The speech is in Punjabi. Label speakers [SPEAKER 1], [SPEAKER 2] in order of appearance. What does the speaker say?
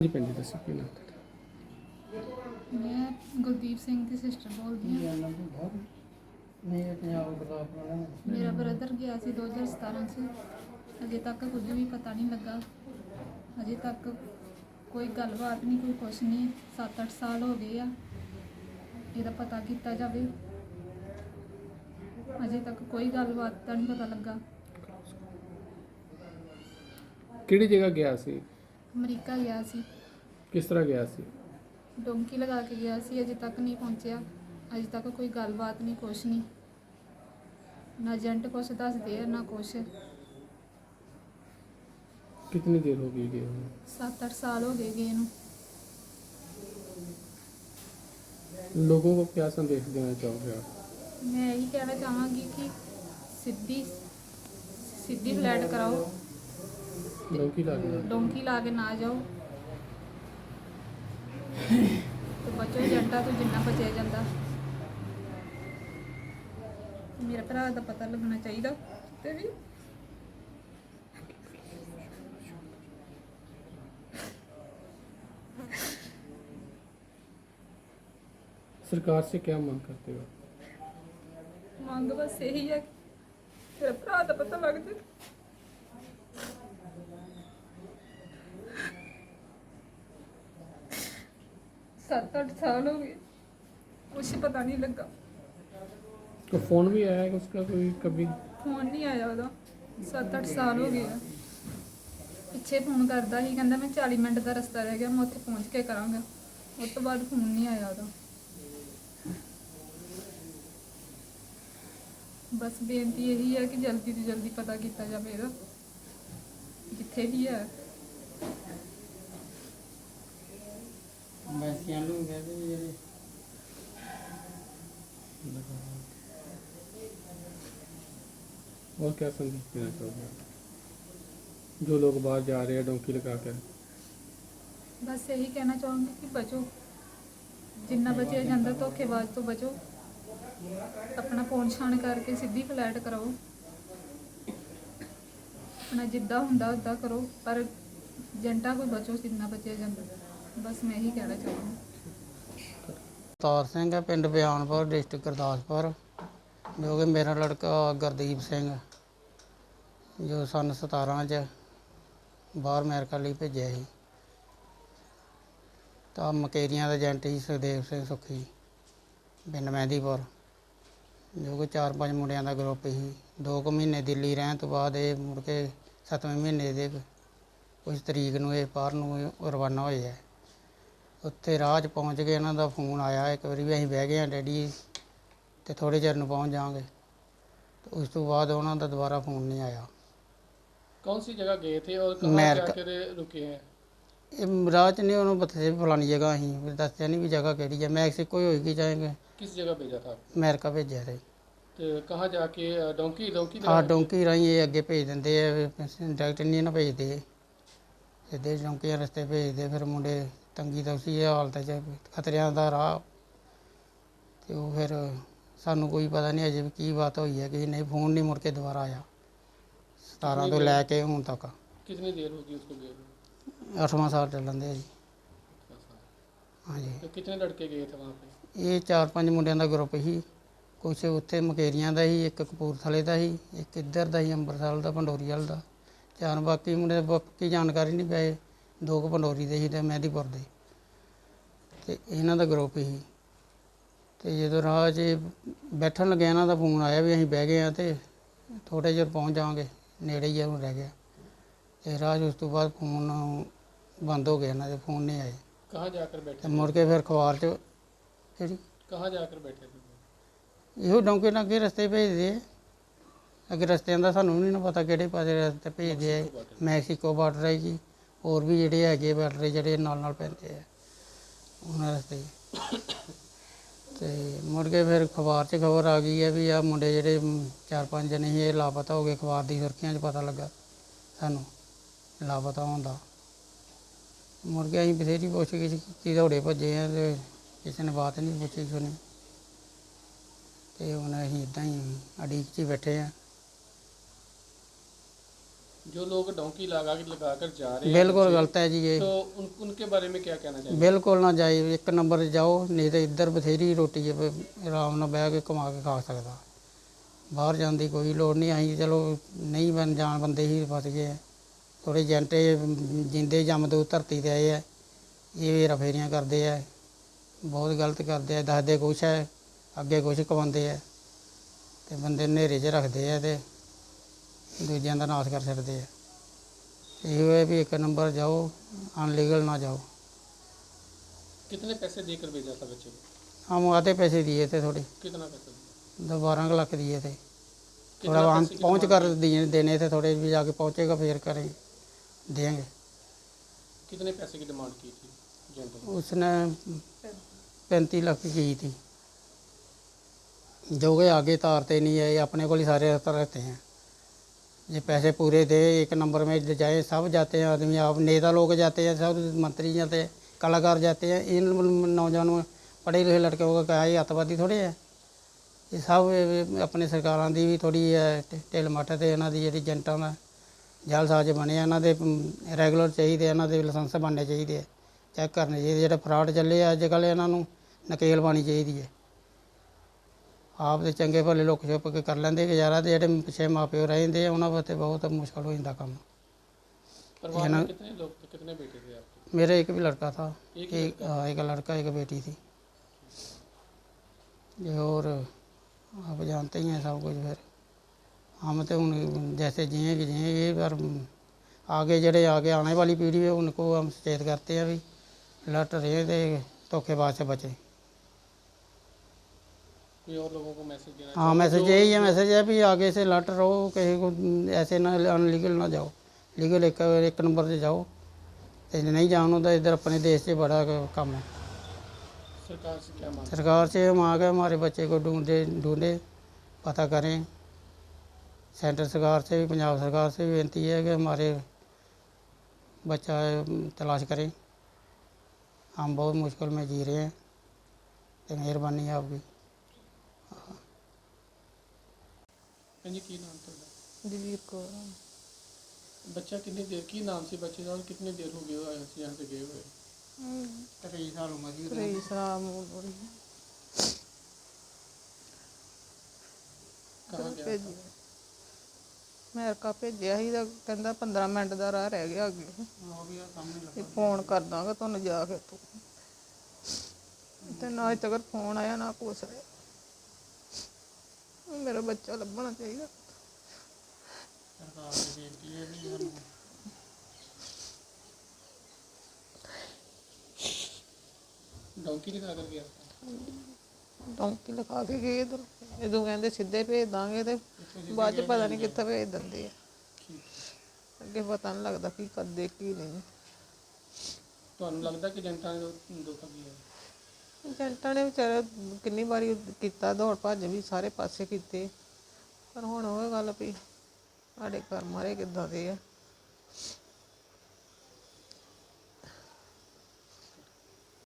[SPEAKER 1] ਜੀ ਪਿੰਡ ਦੱਸੋ ਕੀ ਨਾਮ ਤੁਹਾਡਾ?
[SPEAKER 2] ਮੈਂ ਗੁਰਦੀਪ ਸਿੰਘ ਦੀ ਸਿਸਟਰ ਬੋਲਦੀ ਹਾਂ। ਮੇਰਾ ਬ੍ਰਦਰ ਗਿਆ ਸੀ 2017 'ਚ। ਅਜੇ ਤੱਕ ਕੁਝ ਵੀ ਪਤਾ ਨਹੀਂ ਲੱਗਾ। ਅਜੇ ਤੱਕ ਕੋਈ ਗੱਲਬਾਤ ਨਹੀਂ, ਕੋਈ ਕੁਛ ਨਹੀਂ। 7-8 ਸਾਲ ਹੋ ਗਏ ਆ। ਇਹਦਾ ਪਤਾ ਕੀਤਾ ਜਾਵੇ। ਅਜੇ ਤੱਕ ਕੋਈ ਗੱਲਬਾਤ ਦਾ ਨਹੀਂ ਪਤਾ ਲੱਗਾ।
[SPEAKER 1] ਕਿਹੜੀ ਜਗ੍ਹਾ ਗਿਆ ਸੀ?
[SPEAKER 2] ਅਮਰੀਕਾ ਗਿਆ ਸੀ।
[SPEAKER 1] ਕਿਸ ਤਰ੍ਹਾਂ ਗਿਆ ਸੀ?
[SPEAKER 2] ਡੋਂਕੀ ਲਗਾ ਕੇ ਗਿਆ ਸੀ। ਅਜੇ ਤੱਕ ਨਹੀਂ ਪਹੁੰਚਿਆ। ਅਜੇ ਤੱਕ ਕੋਈ ਗੱਲਬਾਤ ਨਹੀਂ, ਕੁਛ ਨਹੀਂ। ਨਾ ਏਜੰਟ ਕੁਛ ਦੱਸਦੇ ਆ ਨਾ ਕੁਛ।
[SPEAKER 1] कितनी देर हो गई गए?
[SPEAKER 2] 7-8 साल हो गए गए ਨੂੰ।
[SPEAKER 1] लोगों को क्या संदेश देना चाहोगे आप?
[SPEAKER 2] मैं यही कहना चाहांगी कि सीधी सीधी फ्लैट कराओ,
[SPEAKER 1] डोंकी लगा
[SPEAKER 2] डोंकी ला के ना जाओ तो बचो ਏਜੰਟਾਂ ਤੋਂ ਜਿੰਨਾ ਬਚਿਆ ਜਾਂਦਾ। ਮੇਰੇ ਭਰਾ ਦਾ ਪਤਾ ਲੱਗਣਾ ਚਾਹੀਦਾ ਤੇ ਵੀ।
[SPEAKER 1] सरकार से क्या मांग करते हो?
[SPEAKER 2] ਮੰਗ ਬਸ ਇਹੀ ਹੈ ਕਿ ਮੇਰੇ ਭਰਾ ਦਾ ਪਤਾ ਲੱਗ ਜਾਏ। 7-8 साल हो गए, कुछ पता नहीं लगा।
[SPEAKER 1] तो फोन भी आया है उसका कोई कभी?
[SPEAKER 2] फोन नहीं आया ਉਹਦਾ। 7-8 ਸਾਲ ਹੋ ਗਏ ਆ। ਪਿੱਛੇ ਫੋਨ ਕਰਦਾ ਸੀ, ਕਹਿੰਦਾ ਮੈਂ 40 ਮਿੰਟ ਦਾ ਰਸਤਾ ਰਹਿ ਗਿਆ, ਮੈਂ ਉੱਥੇ ਪਹੁੰਚ ਕੇ ਕਰਾਂਗਾ। ਉਸ ਤੋਂ ਬਾਅਦ ਫੋਨ ਨਹੀਂ ਆਇਆ ਉਹਦਾ। ਬਸ ਬੇਨਤੀ ਇਹੀ ਹੈ ਕਿ ਜਲਦੀ ਤੋਂ ਜਲਦੀ ਪਤਾ ਕੀਤਾ ਜਾਵੇ ਇਹਦਾ, ਜਿੱਥੇ ਵੀ ਹੈ।
[SPEAKER 1] और क्या संदेश देना चाहोगे जो लोग बाहर जा रहे हैं डोंकी लगा कर?
[SPEAKER 2] बस यही कहना चाहूँगी कि बचो, जिन्ना बचे जाता धोखेबाज तो बचो। अपना फोन छान करके सीधी फ्लैट कराओ, अपना जिद्दा हुंदा उदा करो, पर ਏਜੰਟਾਂ कोई बचो जिन्ना बचे जाता। बस मैं यही कहना चाहूँगी।
[SPEAKER 3] ਅਵਤਾਰ ਸਿੰਘ ਹੈ, ਪਿੰਡ ਬਿਆਨਪੁਰ, ਡਿਸਟ੍ਰਿਕਟ ਗੁਰਦਾਸਪੁਰ। ਜੋ ਕਿ ਮੇਰਾ ਲੜਕਾ ਗੁਰਦੀਪ ਸਿੰਘ ਜੋ ਸੰਨ 17 'ਚ ਬਾਹਰ ਅਮਰੀਕਾ ਲਈ ਭੇਜਿਆ ਸੀ। ਤਾਂ ਮਕੇਰੀਆਂ ਦਾ ਏਜੰਟ ਸੀ ਸੁਖਦੇਵ ਸਿੰਘ ਸੁੱਖੀ, ਪਿੰਡ ਮਹਿੰਦੀਪੁਰ। ਜੋ ਕਿ 4-5 ਮੁੰਡਿਆਂ ਦਾ ਗਰੁੱਪ ਸੀ। 2 ਕੁ ਮਹੀਨੇ ਦਿੱਲੀ ਰਹਿਣ ਤੋਂ ਬਾਅਦ ਇਹ ਮੁੜ ਕੇ 7ਵੇਂ ਮਹੀਨੇ ਦੇ ਕੁਝ ਤਰੀਕ ਨੂੰ ਇਹ ਬਾਹਰ ਨੂੰ ਰਵਾਨਾ ਹੋਏ ਹੈ। ਉੱਥੇ ਰਾਹ 'ਚ ਪਹੁੰਚ ਕੇ ਇਹਨਾਂ ਦਾ ਫੋਨ ਆਇਆ ਇੱਕ ਵਾਰੀ ਵੀ ਅਸੀਂ ਬਹਿ ਗਏ ਹਾਂ ਡੈਡੀ ਅਤੇ ਥੋੜ੍ਹੇ ਚਿਰ ਨੂੰ ਪਹੁੰਚ ਜਾਵਾਂਗੇ। ਤੇ ਉਸ ਤੋਂ ਬਾਅਦ ਉਹਨਾਂ ਦਾ ਦੁਬਾਰਾ ਫੋਨ ਨਹੀਂ ਆਇਆ।
[SPEAKER 1] कौन सी जगह गए थे और कहाँ जाकर रुके हैं?
[SPEAKER 3] ਇਹ ਰਾਹ 'ਚ ਨਹੀਂ ਉਹਨੂੰ ਦੱਸਿਆ ਵੀ ਫਲਾਣੀ ਜਗ੍ਹਾ ਅਸੀਂ ਵੀ ਦੱਸਿਆ ਨਹੀਂ ਵੀ ਜਗ੍ਹਾ ਕਿਹੜੀ ਹੈ। ਮੈਕਸੀਕੋ ਹੀ ਹੋਏਗੀ ਜਾਏਗੇ।
[SPEAKER 1] किस जगह भेजा था?
[SPEAKER 3] ਅਮਰੀਕਾ ਭੇਜਿਆ ਸੀ।
[SPEAKER 1] तो कहाँ जाके डोंकी डोंकी
[SPEAKER 3] ਹਾਂ ਡੋਂਕੀ ਰਾਹੀਂ ਇਹ ਅੱਗੇ ਭੇਜ ਦਿੰਦੇ ਆ, ਡਾਇਰੈਕਟ ਨਹੀਂ ਨਾ ਭੇਜਦੇ, ਸਿੱਧੇ ਡੋਂਕੀਆਂ ਰਸਤੇ ਭੇਜਦੇ। ਫਿਰ ਮੁੰਡੇ ਤੰਗੀ ਤੌਸੀ ਇਹ ਹਾਲਤ 'ਚ, ਖਤਰਿਆਂ ਦਾ ਰਾਹ। ਅਤੇ ਉਹ ਫਿਰ ਸਾਨੂੰ ਕੋਈ ਪਤਾ ਨਹੀਂ ਅਜੇ ਵੀ ਕੀ ਬਾਤ ਹੋਈ ਹੈ ਕਿ ਨਹੀਂ। ਫੋਨ ਨਹੀਂ ਮੁੜ ਕੇ ਦੁਬਾਰਾ ਆਇਆ 17 ਤੋਂ ਲੈ ਕੇ ਹੁਣ ਤੱਕ।
[SPEAKER 1] कितनी देर होगी उसको गए?
[SPEAKER 3] 8ਵਾਂ ਸਾਲ ਚੱਲਣ ਦੇ ਜੀ। ਹਾਂਜੀ।
[SPEAKER 1] तो कितने लड़के गए थे वहाँ पे?
[SPEAKER 3] ਇਹ 4-5 ਮੁੰਡਿਆਂ ਦਾ ਗਰੁੱਪ ਸੀ। ਕੁਛ ਉੱਥੇ ਮਕੇਰੀਆਂ ਦਾ ਸੀ, ਇੱਕ ਕਪੂਰਥਲੇ ਦਾ ਸੀ, ਇੱਕ ਇੱਧਰ ਦਾ ਸੀ ਅੰਮ੍ਰਿਤਸਰ ਦਾ, ਪੰਡੋਰੀ ਵਾਲ ਦਾ। 4 ਬਾਕੀ ਮੁੰਡੇ ਬਾਕੀ ਜਾਣਕਾਰੀ ਨਹੀਂ ਪਏ। 2 ਕੁ ਪੰਡੋਰੀ ਦੇ ਸੀ ਅਤੇ ਮਹਿੰਦੀਪੁਰ ਦੇ। ਅਤੇ ਇਹਨਾਂ ਦਾ ਗਰੁੱਪ ਸੀ। ਅਤੇ ਜਦੋਂ ਰਾਹ 'ਚ ਬੈਠਣ ਲੱਗਿਆ ਇਹਨਾਂ ਦਾ ਫੋਨ ਆਇਆ ਵੀ ਅਸੀਂ ਬਹਿ ਗਏ ਹਾਂ ਅਤੇ ਥੋੜ੍ਹੇ ਚਿਰ ਪਹੁੰਚ ਜਾਵਾਂਗੇ, ਨੇੜੇ ਹੀ ਹੁਣ ਰਹਿ ਗਿਆ। ਅਤੇ ਰਾਹ 'ਚ ਉਸ ਤੋਂ ਬਾਅਦ ਫੋਨ ਬੰਦ ਹੋ ਗਿਆ, ਇਹਨਾਂ ਦੇ ਫੋਨ ਨਹੀਂ ਆਏ।
[SPEAKER 1] कहाँ जाकर
[SPEAKER 3] ਅਤੇ
[SPEAKER 1] बैठे?
[SPEAKER 3] ਮੁੜ ਕੇ ਫਿਰ ਅਖਬਾਰ 'ਚ ਕਿਹੜੀ
[SPEAKER 1] कहाँ जाकर बैठे थे?
[SPEAKER 3] ਇਹੋ ਡੌਂਕੇ ਨਾਲ ਅੱਗੇ ਰਸਤੇ ਭੇਜਦੇ ਆ। ਅੱਗੇ ਰਸਤਿਆਂ ਦਾ ਸਾਨੂੰ ਵੀ ਨਹੀਂ ਪਤਾ ਕਿਹੜੇ ਪਾਸੇ ਰਸਤੇ ਭੇਜਦੇ ਆ। ਮੈਕਸੀਕੋ ਬਾਰਡਰ ਹੈ ਜੀ, ਹੋਰ ਵੀ ਜਿਹੜੇ ਹੈਗੇ ਬਾਰਡਰ ਜਿਹੜੇ ਨਾਲ ਨਾਲ ਪੈਂਦੇ ਆ ਉਹਨਾਂ ਰਸਤੇ। ਅਤੇ ਮੁੜ ਕੇ ਫਿਰ ਅਖਬਾਰ 'ਚ ਖਬਰ ਆ ਗਈ ਹੈ ਵੀ ਆਹ ਮੁੰਡੇ ਜਿਹੜੇ 4-5 ਜਣੇ ਸੀ ਇਹ ਲਾਪਤਾ ਹੋ ਗਏ। ਅਖਬਾਰ ਦੀ ਸੁਰਖੀਆਂ 'ਚ ਪਤਾ ਲੱਗਾ ਸਾਨੂੰ ਲਾਪਤਾ ਹੋਣ ਦਾ। ਮੁੜ ਕੇ ਅਸੀਂ ਬਥੇਰੀ ਪੁੱਛ ਗਿੱਛ ਕੀਤੀ, ਦੌੜੇ ਭੱਜੇ ਆ ਅਤੇ ਕਿਸੇ ਨੇ ਬਾਤ ਨਹੀਂ ਪੁੱਛੀ ਸੁਣੀ। ਅਤੇ ਹੁਣ ਅਸੀਂ ਇੱਦਾਂ ਹੀ ਉਡੀਕ 'ਚ ਹੀ ਬੈਠੇ ਹਾਂ।
[SPEAKER 1] जो लोग डोंकी लगा कर जा रहे हैं
[SPEAKER 3] बिल्कुल
[SPEAKER 1] बच्चे,
[SPEAKER 3] गलत है जी ये,
[SPEAKER 1] तो उनके बारे में क्या कहना चाहिए?
[SPEAKER 3] ਬਿਲਕੁਲ ਨਾ ਜਾਏ। ਇੱਕ ਨੰਬਰ 'ਤੇ ਜਾਓ, ਨਹੀਂ ਤਾਂ ਇੱਧਰ ਬਥੇਰੀ ਰੋਟੀ ਹੈ, ਆਰਾਮ ਨਾਲ ਬਹਿ ਕੇ ਕਮਾ ਕੇ ਖਾ ਸਕਦਾ। ਬਾਹਰ ਜਾਣ ਦੀ ਕੋਈ ਲੋੜ ਨਹੀਂ। ਅਸੀਂ ਚਲੋ ਨਹੀਂ ਬਣ ਜਾਣ ਬੰਦੇ ਹੀ ਫਸ ਗਏ ਆ। ਥੋੜ੍ਹੇ ਏਜੰਟੇ ਜਿੰਦੇ ਜੰਮਦੂ ਧਰਤੀ 'ਤੇ ਆਏ ਆ, ਇਹ ਹੇਰਾ ਫੇਰੀਆਂ ਕਰਦੇ ਆ, ਬਹੁਤ ਗਲਤ ਕਰਦੇ ਆ। ਦੱਸਦੇ ਕੁਛ ਹੈ, ਅੱਗੇ ਕੁਛ ਕਮਾਉਂਦੇ ਆ, ਅਤੇ ਬੰਦੇ ਹਨੇਰੇ 'ਚ ਰੱਖਦੇ ਆ ਅਤੇ ਦੂਜਿਆਂ ਦਾ ਨਾਸ਼ ਕਰ ਛੱਡਦੇ ਆ। ਇਹੋ ਹੈ ਵੀ ਇੱਕ ਨੰਬਰ ਜਾਓ, अनलीगल ना जाओ।
[SPEAKER 1] कितने पैसे देकर भेजा था बच्चे को?
[SPEAKER 3] हम आधे पैसे दिए थे, थोड़े
[SPEAKER 1] कितना पैसा दिया?
[SPEAKER 3] 12 लाख दिए थे।
[SPEAKER 1] कितना
[SPEAKER 3] थोड़ा वहाँ
[SPEAKER 1] पैसे की
[SPEAKER 3] पहुँच
[SPEAKER 1] डिमांड
[SPEAKER 3] कर दिए देने थे, थोड़े भी जाके पहुँचेगा फिर करेंगे, देंगे।
[SPEAKER 1] कितने पैसे की डिमांड की थी एजेंट ने?
[SPEAKER 3] उसने 35 लाख की थी, जो कि आगे तारते नहीं है, ये अपने को ही सारे रहते हैं। ये पैसे पूरे दे, एक नंबर में जाए, सब जाते हैं आदमी, आप नेता लोग जाते हैं, सब मंत्री जाते हैं, कलाकार जाते हैं। इन नौजवानों पढ़े लिखे लड़कों का क्या ये अतवादी थोड़े है। ये सब अपने सरकारों की भी थोड़ी ढिल मੱਠ ਤੇ ਇਹਨਾਂ ਦੀ ਜਿਹੜੀ ਏਜੰਟਾਂ ਦਾ ਜਾਲਸਾਜ਼ ਬਣੇ ਆ, ਇਹਨਾਂ ਦੇ ਰੈਗੂਲਰ ਚਾਹੀਦੇ, ਇਹਨਾਂ ਦੇ ਲਾਇਸੈਂਸ ਬਣਨੇ ਚਾਹੀਦੇ ਆ, ਚੈੱਕ ਕਰਨੇ ਚਾਹੀਦੇ। ਜਿਹੜਾ ਫਰਾਡ ਚੱਲੇ ਆ ਅੱਜ ਕੱਲ੍ਹ, ਇਹਨਾਂ ਨੂੰ ਨਕੇਲ ਪਾਉਣੀ ਚਾਹੀਦੀ ਹੈ। ਆਪ ਤੇ ਚੰਗੇ ਭਲੇ ਲੁੱਕ ਛੁਪ ਕੇ ਕਰ ਲੈਂਦੇ ਗੁਜ਼ਾਰਾ, ਤੇ ਜਿਹੜੇ ਪਿੱਛੇ ਮਾਂ ਪਿਓ ਰਹਿੰਦੇ ਆ ਉਹਨਾਂ ਵਾਸਤੇ ਬਹੁਤ ਮੁਸ਼ਕਲ ਹੋ ਜਾਂਦਾ ਕੰਮ।
[SPEAKER 1] परिवार में कितने लोग थे, कितने बेटे थे आपके?
[SPEAKER 3] मेरा एक भी लड़का था,
[SPEAKER 1] एक ही लड़का?
[SPEAKER 3] हाँ, एक लड़का एक बेटी थी। ये और आप जानते ही हैं सब कुछ। फिर हम तो उन जैसे जिएंगे, पर आगे जड़े आगे आने वाली पीढ़ी है उनको हम सचेत करते हैं भी लट रहे थे, धोखेबाज से बचे।
[SPEAKER 1] कोई और लोगों को मैसेज देना
[SPEAKER 3] हाँ, मैसेज यही है, मैसेज है भी आगे से लट रहो, कहीं को ऐसे ना अनलीगल ना जाओ, लीगल एक नंबर से जाओ। तो नहीं जानो तो इधर अपने देश से बड़ा काम है।
[SPEAKER 1] सरकार से क्या मांग?
[SPEAKER 3] सरकार से हम आ गए, हमारे बच्चे को ढूंढे पता करें। सेंटर सरकार से भी, पंजाब सरकार से भी विनती है कि हमारे बच्चा तलाश करें। हम बहुत मुश्किल में जी रहे हैं, तो मेहरबानी है आपकी।
[SPEAKER 1] जी की नाम था?
[SPEAKER 4] दिलीप कौर।
[SPEAKER 1] बच्चा कितनी देर की नाम से बच्चे का, और कितनी देर हो गई यहाँ से गए हुए?
[SPEAKER 3] 23 साल उम्र थी।
[SPEAKER 4] 23 साल उम्र
[SPEAKER 1] कहाँ गया
[SPEAKER 4] ਭੇਜੀ ਅਮਰੀਕਾ ਭੇਜਿਆ ਸੀ ਤਾਂ ਕਹਿੰਦਾ 15 ਮਿੰਟ ਦਾ ਰਾਹ ਰਹਿ ਗਿਆ ਅੱਗੇ,
[SPEAKER 3] वो भी सामने
[SPEAKER 4] ਤੇ ਫੋਨ ਕਰ ਦਾਂਗਾ ਤੁਹਾਨੂੰ ਜਾ ਕੇ ਤੂੰ। ਤੇ ਨਾ ਅਜੇ ਤੱਕ ਫੋਨ ਆਇਆ ਨਾ ਕੁਛ ਆਇਆ। ਮੇਰਾ ਬੱਚਾ ਲੱਭਣਾ ਚਾਹੀਦਾ।
[SPEAKER 3] सरकार से बेनती है भी
[SPEAKER 1] डोंकी दिखा कर गया था?
[SPEAKER 4] ਡੌਂਕੀ ਲਿਖਾ ਕੇ ਗਏ ਇੱਧਰ, ਜਦੋਂ ਕਹਿੰਦੇ ਸਿੱਧੇ ਭੇਜ ਦਾਂਗੇ ਤੇ ਬਾਅਦ ਚ ਪਤਾ ਨਹੀਂ ਕਿੱਥੇ ਭੇਜ ਦਿੰਦੇ ਆ। ਅੱਗੇ ਪਤਾ ਨਹੀਂ ਲੱਗਦਾ ਕੀ ਕਰਦੇ ਕੀ ਨਹੀਂ।
[SPEAKER 1] ਤੁਹਾਨੂੰ ਲੱਗਦਾ ਕਿ ਜਨਤਾ ਨੇ ਧੋਖਾ ਕੀਤਾ?
[SPEAKER 4] ਏਜੰਟਾਂ ਨੇ ਵਿਚਾਰੇ ਕਿੰਨੀ ਵਾਰੀ ਕੀਤਾ, ਦੌੜ ਭੱਜ ਵੀ ਸਾਰੇ ਪਾਸੇ ਕੀਤੇ, ਪਰ ਹੁਣ ਉਹ ਗੱਲ ਵੀ ਸਾਡੇ ਘਰ ਮਾਰੇ ਕਿੱਦਾਂ ਦੇ ਆ।